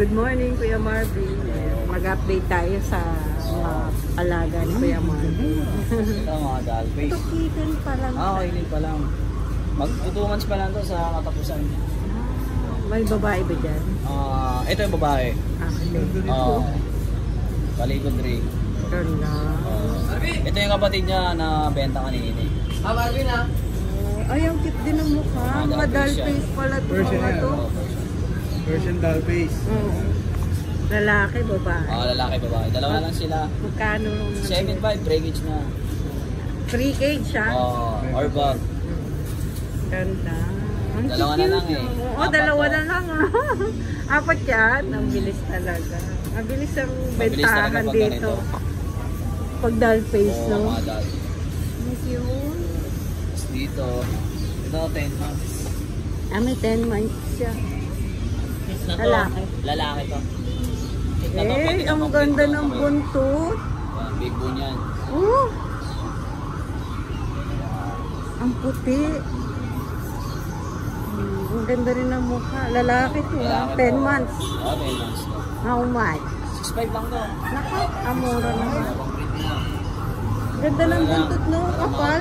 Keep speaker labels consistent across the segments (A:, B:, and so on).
A: Good morning, Kuya Marvin. Mag-update tayo sa mga alaga ni Kuya Marvin.
B: Ito mga Dalface.
A: Ito kitten pa lang.
B: Kainin pa lang. Mag-2 months pa lang to sa katapusan.
A: May babae ba dyan?
B: Ito yung babae. Paligod rin. Ito yung kapatid niya na benta kanina.
C: Marvin ha?
A: Ay, ang cute din ang mukha. Mga Dalface pala ito. Mga to.
C: Persian Dalface.
A: Lalaki, babae.
B: Lalaki, babae. Dalawa lang sila.
A: Magkano?
B: 7.5 breakage na.
A: Free cage siya?
B: Or bag.
A: Ganda. Ang
B: Dalawa na lang eh.
A: Oo, dalawa na lang. Apat yan. Ang bilis talaga. Ang bilis ang bentahan dito. Pag Dalface, no?
B: Oo, mga Dalface.
A: Ang cute.
B: Dito. Ito, 10 months.
A: May 10 months siya. Lalaki.
B: Lalaki to.
A: Ang ganda ng buntot.
B: Big bone yan.
A: Ang puti. Ang ganda rin ng mukha. Lalaki to. 10 months.
B: 10 months to.
A: How much?
B: 6.5 lang to.
A: Naka, amura naman. Ganda ng buntot, no? Kapal.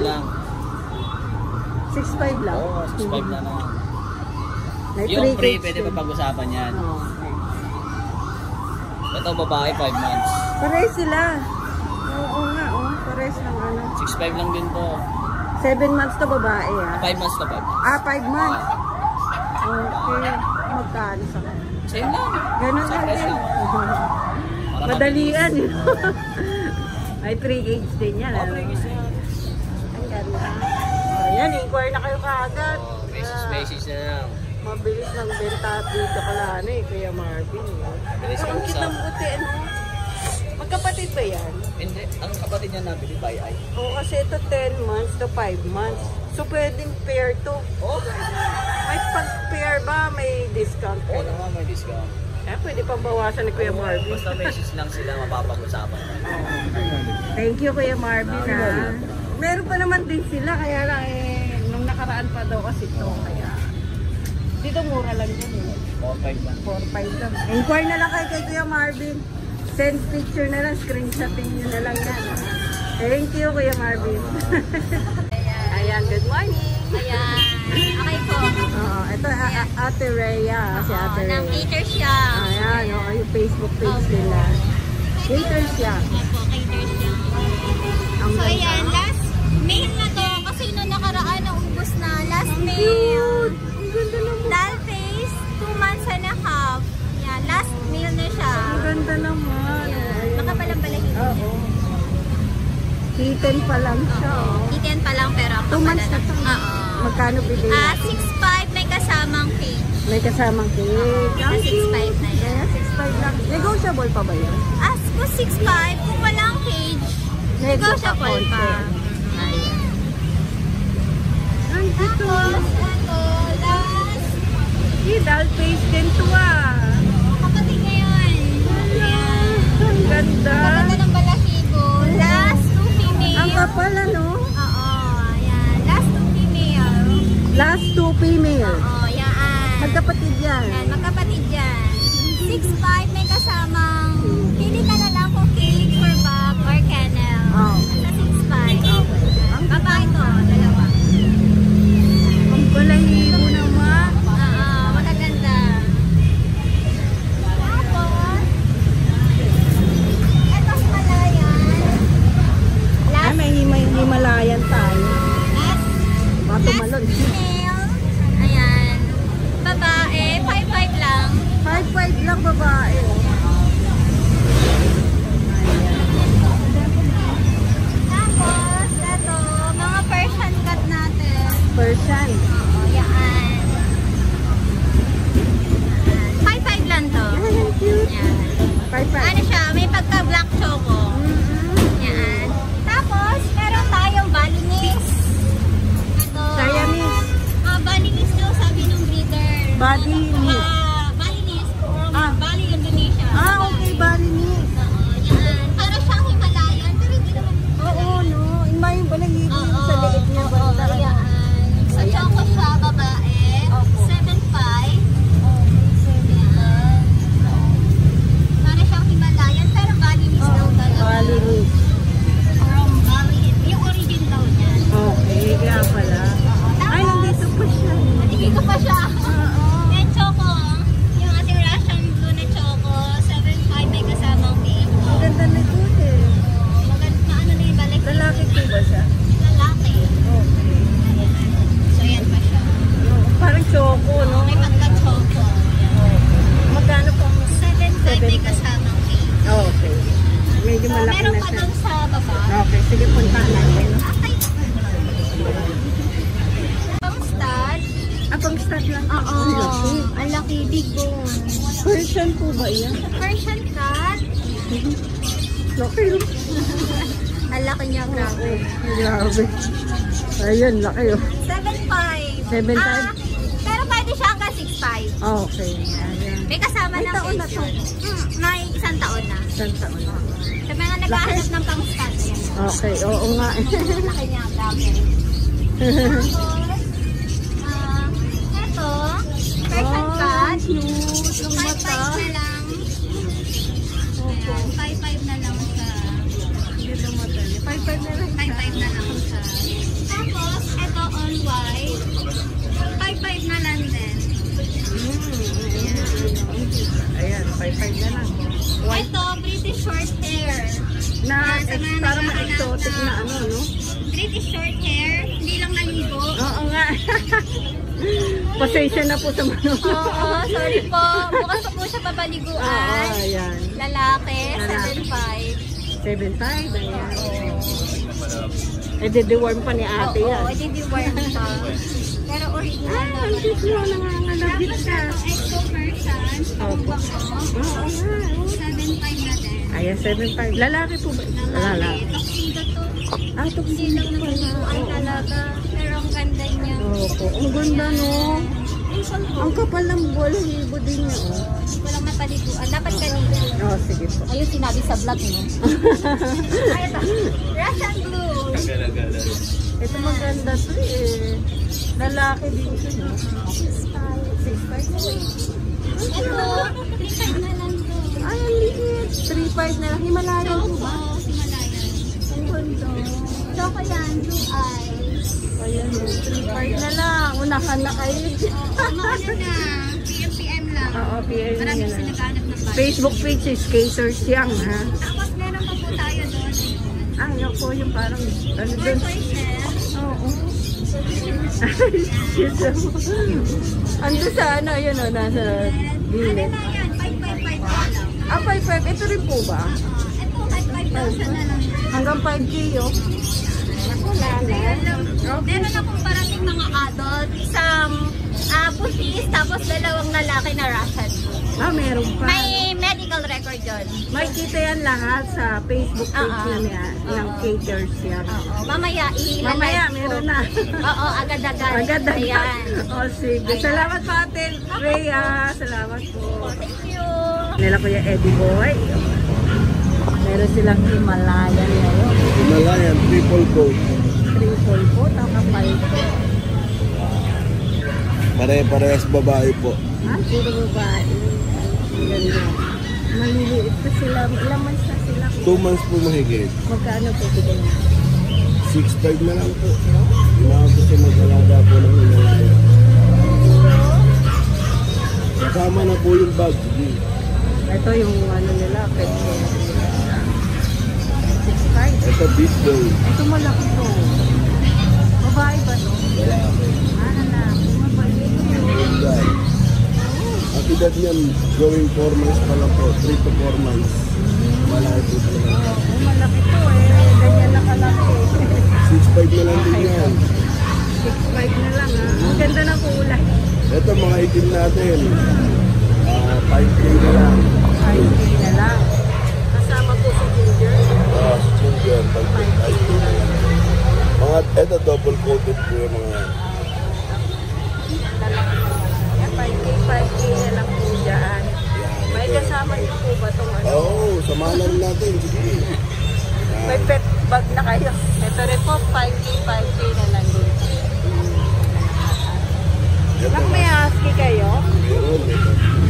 A: 6.5 lang.
B: 6.5 lang naman.
A: May
B: Yung free,
A: cage
B: pwede
A: din.
B: pa pag-usapan yan.
A: Okay.
B: Ito, babae, 5 months.
A: Pares sila. Oo nga, pares ng ano.
B: 6.5 lang din to.
A: 7 months to babae,
B: 5 months to 5.
A: 5 months. Okay. Magkano sa kanya?
B: Same lang.
A: Ganun lang din. Madalian. Ay, 3 age din yan.
B: Breakage na yan.
A: Ang ganda. Ayan, inquire na kayo kaagad.
B: Basis na lang.
A: Mabilis ng benta dito kalano Kuya Marvin. Ang cute ng puti, ano? Magkapatid ba yan?
B: Hindi. Ang kapatid niya nabili by eye.
A: Oo, kasi ito 10 months to 5 months. So, pwedeng pair to. May pag-pair ba, may discount?
B: Oo naman, may discount.
A: Pwede pang bawasan ni Kuya Marvin.
B: Basta message lang sila, mapapag-usapan.
A: Thank you, Kuya Marvin, ha. Meron pa naman din sila, kaya lang nung nakaraan pa daw kasi ito, kaya dito mura lang din
B: 4.5 lang.
A: 4.5 lang. Inquire na lang kay Kuya Marvin. Send picture na lang, screenshotting nyo na lang yan. Thank you, Kuya Marvin. Ayan, good morning.
D: Ayan. Okay po.
A: Ito, Ate Rhea. Si Ate Rhea.
D: Nang cater siya.
A: Ayan, yung Facebook page nila. Cater siya.
D: Opo, cater siya. So, ayan, last mail na to. Kasi nung nakaraan, naubos na. Last mail.
A: Ang ganda naman.
D: Dalface, 2 months and a half. Yan, last mail na siya.
A: Ang ganda naman.
D: Makapalang-balahin.
A: Oo. Kitten pa lang siya.
D: Kitten pa lang pero ang
A: 2 months na to.
D: Oo.
A: Magkano bigay?
D: 6.5 may kasamang cage.
A: May kasamang cake.
D: Sa 6.5 na yan.
A: 6.5 lang. Negotiable pa ba yun?
D: As ko 6.5, kung walang cage, negotiable pa.
A: Ayan. Ang ito.
D: Tapos, ito, last,
A: Dalface din to
D: kapatid ngayon. Ayan.
A: Ang ganda.
D: Kapatid ng balahibo. Last 2 female.
A: Ang kapal ano?
D: Oo, ayan. Last 2 female.
A: Last 2 female.
D: Oo, yan.
A: Magkapatid yan.
D: Yan, magkapatid yan. 6.5 may kasamang, pili ka na lang kung cage or bag or kennel. Sa 6.5. Ang babae to, dalawa.
A: Ang balahibo naman.
D: Oo, magaganda. Tapos, eto Himalayan. Last,
A: May Himalayan tayo.
D: last
A: Matumalon.
D: female. Ayan. Babae, 5.5 lang.
A: 5.5 lang babae.
D: Tapos, eto, mga Persian cat natin.
A: Persian.
D: Oo, yan. 5.5 lang to.
A: Ay, ang cute.
D: Yan.
A: 5.5.
D: Ano siya, may pagka-black choco. Yan. Tapos, meron tayong Balinese. Ito.
A: Siamese.
D: Balinese daw sabi ng breeder.
A: Balinese.
D: Balinese from Bali, Indonesia.
A: Okay, Balinese.
D: Oo, yan. Para siyang Himalayan, pero hindi naman.
A: Oo, no. May balahibo yung sa liit niya.
D: Oo, yan. Sa choco
A: puntahan natin.
D: Pang-stud?
A: Pang start lang.
D: Oo. Ang laki, big bone.
A: Persian po ba yan?
D: Persian cat?
A: Laki yun.
D: Ang laki niya, grabe.
A: Grabe. Ayun, laki yun.
D: 7.5.
A: 7.5?
D: Pero pwede siya hanggang 6.5.
A: Okay. Ayan.
D: May kasama
A: May
D: ng
A: taon na to.
D: May 1 taon na.
A: Isang taon.
D: Sa mga naghahanap ng pang-stud, ayan.
A: Okay, oo nga.
D: Ang laki niya, grabe. Tapos, eto, Persian cat.
A: Cute. Ang
D: 5.5
A: mata.
D: na lang. Ayan, 5.5 na lang siya.
A: Hindi na madali. 5.5 na lang.
D: 5.5 na lang siya. Tapos, eto all white. 5.5 na lang din.
A: Ayan, 5.5 na lang.
D: Ito, British short hair.
A: Na,
D: Yan, sa mga
A: parang
D: naghahanap
A: ma-exotic na
D: na-
A: ano, no?
D: British short hair, hindi lang naligo.
A: Oo nga. Pasensya na po sa mga.
D: Oo, sorry po. Bukas pa po siya pabaliguan.
A: Oo, ayan.
D: Lalaki,
A: Lalaki.
D: 7.5.
A: 7.5, ayan. Eh, deworm pa ni ate
D: Oo,
A: yan.
D: hindi worm pa. Pero original
A: Ah, ang
D: naman.
A: cute mo, nangangalabit
D: Tapos
A: ka.
D: ito, exo Persian.
A: Opo. Oo nga.
D: 7.5 na din.
A: Ayan, 7.5. Lalaki po ba?
D: Lalaki. Tuxedo to.
A: Ah, ito
D: Hindi lang naliguan talaga. Pero ang ganda niya.
A: Opo. Ang ganda, no? Ang kapal ng balahibo din niya, oh.
D: Walang mapaliguan. Dapat kanina.
A: Oh, sige po.
D: Ayun sinabi sa vlog mo. Ay, ito. Russian blue.
A: Ito maganda to eh. Lalaki din ito, no? 6.5.
D: Ito, 3.5 na lang to.
A: Ay, ang liit. 3.5 na lang. Himalayan po ba?
D: Oo, Himalayan. Ang ganda. Choco yan, blue eyes.
A: Ayan, 3.5 na lang. Unahan na kayo.
D: Ano na? PM lang.
A: Oo, PM
D: Marami
A: nyo
D: kasi
A: na.
D: naghanap ng bike.
A: Facebook page is Skaters Young, ha?
D: Tapos meron pa po tayo doon.
A: Ay, ako yung parang, ano
D: For
A: dun?
D: choices.
A: Oo. Ando sa ano, yun o, nasa
D: Ano
A: gilid.
D: na yan? 5.5 na lang.
A: Ah, 5.5. Ito rin po ba?
D: Ito, 5,000 na lang.
A: Hanggang 5K, oh.
D: Meron akong parating mga adult, isang buntis, tapos dalawang lalaki na Russian.
A: Ah, meron pa.
D: May medical record yun.
A: Makikita yan lahat sa Facebook page
D: Oo.
A: na niya, ng
D: Oo.
A: Skaters Young.
D: Oo, mamaya ilalike
A: Mamaya,
D: ko.
A: meron na.
D: Oo, agad-agad.
A: Agad-agad.
D: Ayan.
A: O, sige.
D: Ayan.
A: Salamat po, Ate Rhea. Salamat po.
D: Thank you.
A: Nila Kuya Eddie Boy. Meron silang Himalayan ngayon.
C: Himalayan, triple coat.
A: Triple po, takapal po.
C: Pare-parehas babae po.
A: Ah, puro babae. Ang ganda. Maliliit pa sila. Ilang months na sila?
C: 2 months po mahigit.
A: Magkano po bigay niya?
C: 6.5 na lang po. Inaabot siya mag-alaga po ng Himalayan. Kasama na po yung bag.
A: Ito yung ano nila, pet ko. 6.5.
C: Ito big boy.
A: Ito malaki to. Babae ba to?
C: Lalaki.
A: Ah, lalaki. Mabait.
C: Yan. Ang edad niyan, going 4 months pa lang po. 3 to 4 months. Malaki po talaga.
A: Oh, malaki to eh. Ganyan na kalaki.
C: 6.5 na lang din yan.
A: 6.5 na lang ha. Ang ganda ng kulay.
C: Ito mga itim natin. 5K na lang.
A: 5K na lang. Kasama po si Ginger.
C: Si Ginger,
A: 5K na lang.
C: mga, ito double coated po yung mga yan.
A: Lalaki naman. Yan, 5K na lang po dyan. May kasama niyo po ba itong ano?
C: Oo, samahan na rin natin. Sige.
A: May pet bag na kayo. Ito rin po, 5K na lang din. Lang may husky kayo?
C: Meron, ito.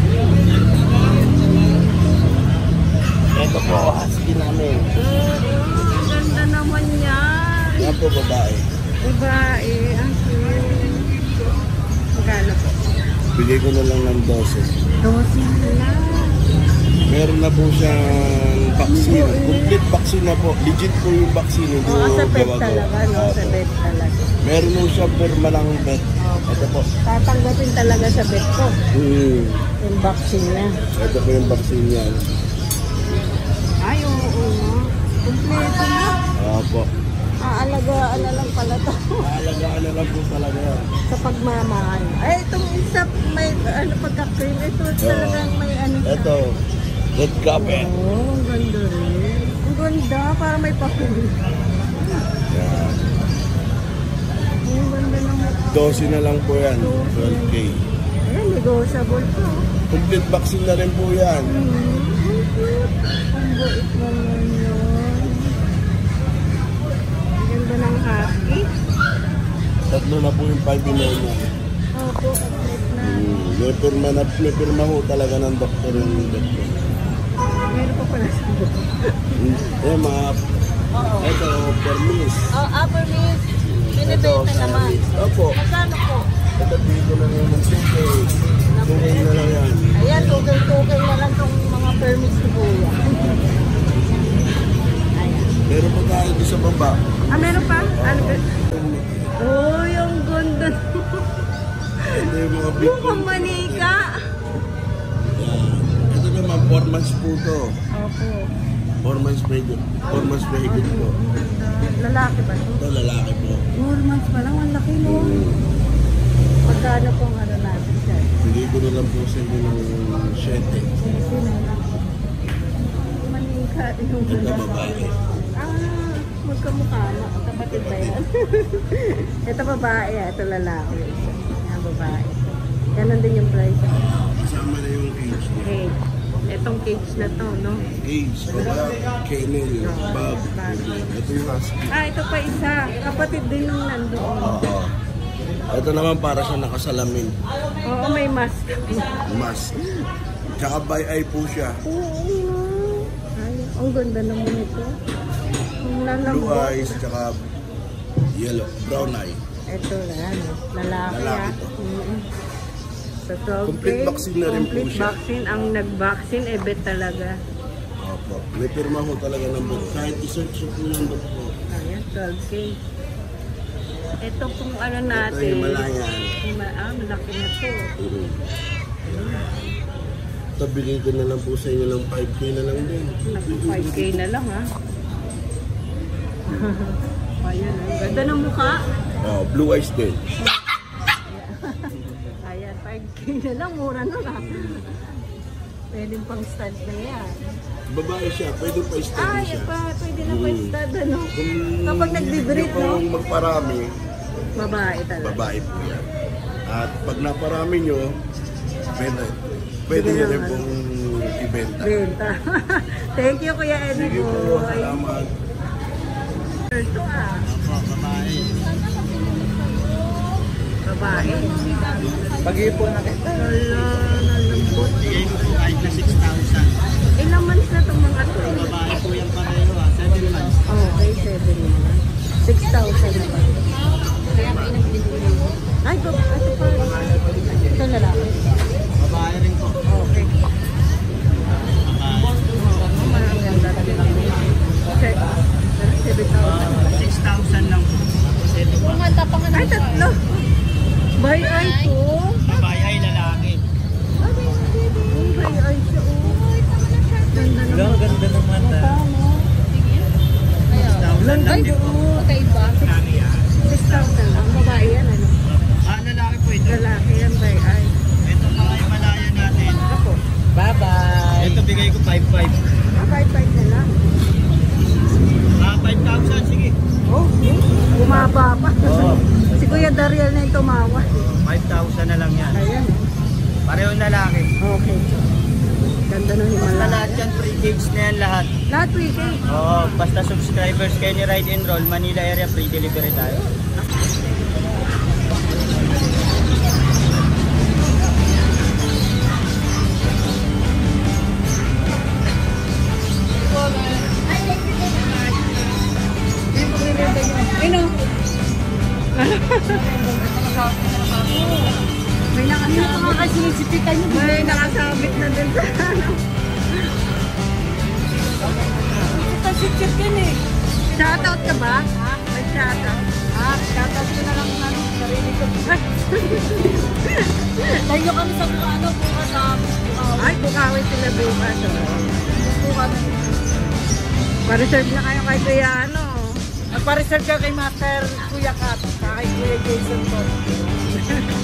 C: Ito po, husky namin.
A: Ganda naman yan.
C: Yan po, babae.
A: Babae, ang cute. Magkano po?
C: Bigay ko na lang ng 12.
A: 12 lang.
C: Meron na po siyang vaccine. Complete vaccine na po. Legit po yung vaccine. Hindi
A: Oo, sa pet
C: gawa-gawa.
A: talaga, no? Sa
C: Opo.
A: pet talaga.
C: Meron po siya permanang pet. Ito po.
A: Tatanggapin talaga sa pet ko. Yung vaccine niya.
C: Ito po yung vaccine niya.
A: Ay, oo, no? Kompleto na.
C: Opo.
A: Aalagaan na lang pala to.
C: Aalagaan na lang po talaga yan.
A: Sa pagmamahal. Ay, itong isa may pagka-cream. Ito talagang may ano siya.
C: Ito, red carpet.
A: Oh, ang ganda rin. Ang ganda, para may pa-cream.
C: Yan.
A: Ang ganda naman.
C: 12 na lang po yan. 12K.
A: Ayan, negotiable po.
C: Complete vaccine na rin po yan.
A: Ang cute. Ang bait naman yun. Ang ganda ng husky.
C: Tatlo na po yung 5 in-1 niya.
A: Opo, complete na.
C: May pirma ho talaga ng doktor yung doktor.
A: Meron pa pala sa buko.
C: Eh, mga... Ito, permis.
A: Oh, upper miss. Binibenta naman.
C: Opo.
A: Magkano po?
C: Ito dito na naman 2K. 2K na lang yan.
A: Ayan, tukay na lang itong mga permits ni Kuya. Ayan.
C: Meron pa tayo dito sa baba.
A: Ah, meron pa? Ano ba? Oh, yung ganda.
C: Ito yung mga big
A: Mukhang manika.
C: Yan. Ito naman, 4 months po to.
A: Opo.
C: 4 months mahigit. 4 months mahigit po.
A: Lalaki ba ito?
C: Ito, lalaki po.
A: 4 months pa lang, ang laki mo. Pagkano pong ano natin siya?
C: Bigay ko na lang po sa inyo ng 7.
A: Manika yung
C: Ito,
A: ganda.
C: babae.
A: Ah, magkamukha na. Kapatid ba yan? Ito babae, ito lalaki. Yan, babae. Ganon din yung price.
C: Kasama na yung cage niya.
A: Okay. Itong cage na to, no?
C: Cage, kennel, bag. Ito yung husky.
A: Ah, ito pa isa. Kapatid din nung nandoon.
C: Oo. Ito naman para siya nakasalamin.
A: Oo, may mask.
C: Mask. Tsaka by eye po siya.
A: Oo. Ay, ang ganda naman ito. Ang
C: Blue
A: lalambot.
C: eyes, tsaka yellow, brown eye.
A: Ito na yan. Lalaki
C: Lalaki
A: ah.
C: to.
A: Sa 12K,
C: Complete vaccine na rin po
A: complete
C: siya.
A: vaccine. Ang nag-vaccine, bet talaga.
C: Opo. May pirma ho talaga ng book. Kahit isearch po yung book po.
A: Ayan, 12K. Ito kung ano
C: Ito
A: natin.
C: yung Malayan.
A: Malaki na to.
C: Ito, bigay ko na lang po sa inyo ng 5K na lang din.
A: Naku, 5K na lang ha. Ayan, ang ganda ng mukha.
C: Oh, blue eyes din.
A: Ayan, 5K na lang. Mura na lang. Pwedeng pang stud na yan.
C: Babae siya, pwede pa i-study
A: Ay,
C: siya.
A: pwede na pa stud ano.
C: Kung
A: Kapag nagbe-breed,
C: hindi po
A: no?
C: magparami,
A: Babae talaga.
C: babae po yan. At pag naparami nyo, pwede nyo rin pong ibenta.
A: Benta. Thank you, Kuya Eddie
C: Sige po,
A: Boy.
C: salamat.
A: Ito ah.
C: Babae.
A: Babae.
B: Pag-iipon na kita.
A: Wala, nalambot.
B: Bigay ko po kahit na 6,000.
A: Ilang months na itong mga to?
B: Babae po yung pareho 7 months.
A: Okay, 7 naman. 6,000 na ba? Ay, ito pa. Ito lalaki.
B: Babae rin po.
A: Okay.
B: Babae.
A: Maganda talaga. Okay. 7,000.
B: 6,000 lang po. Tapos ito pa.
A: Ay, tatlo. By eye to.
B: Babae ay lalaki.
A: By eye to. Ganda naman.
B: Ganda ng mata.
A: Lang
B: lang din po.
A: Kakaiba. 6,000 lang. Babae yan, ano?
B: Lalaki po ito.
A: Lalaki yan, by eye.
B: Ito mga Himalaya natin.
A: Ako.
B: Bye-bye. Ito bigay ko 5,500.
A: 5,500 na lang.
B: 5,000 sige.
A: Oh, bumaba pa.
B: Oo.
A: Si Kuya Dariel na yung tumawa.
B: 5,000 na lang yan.
A: Ayan.
B: Parehong lalaki.
A: Okay. Ganda ng
B: Basta
A: Himalaya.
B: lahat yan, free gigs na yan lahat.
A: Lahat week eh.
B: Oo, basta subscribers kayo ni Ride and Roll, Manila area, free delivery tayo.
A: Ino? May nakasabit. May nakasabit na din sa ano. Kasi-check yan eh. Shoutout ka ba? May shoutout. Shoutout ko na lang ng ano. Sarili ko.
D: Tayo kami sa ano, bukas sa
A: Ay, bukawin sila bukas.
D: bukas.
A: Pa-reserve na kayo kay Kuya ano.
E: Magpa-reserve ka kay Master Kuya Kat, kay Kuya Jason po.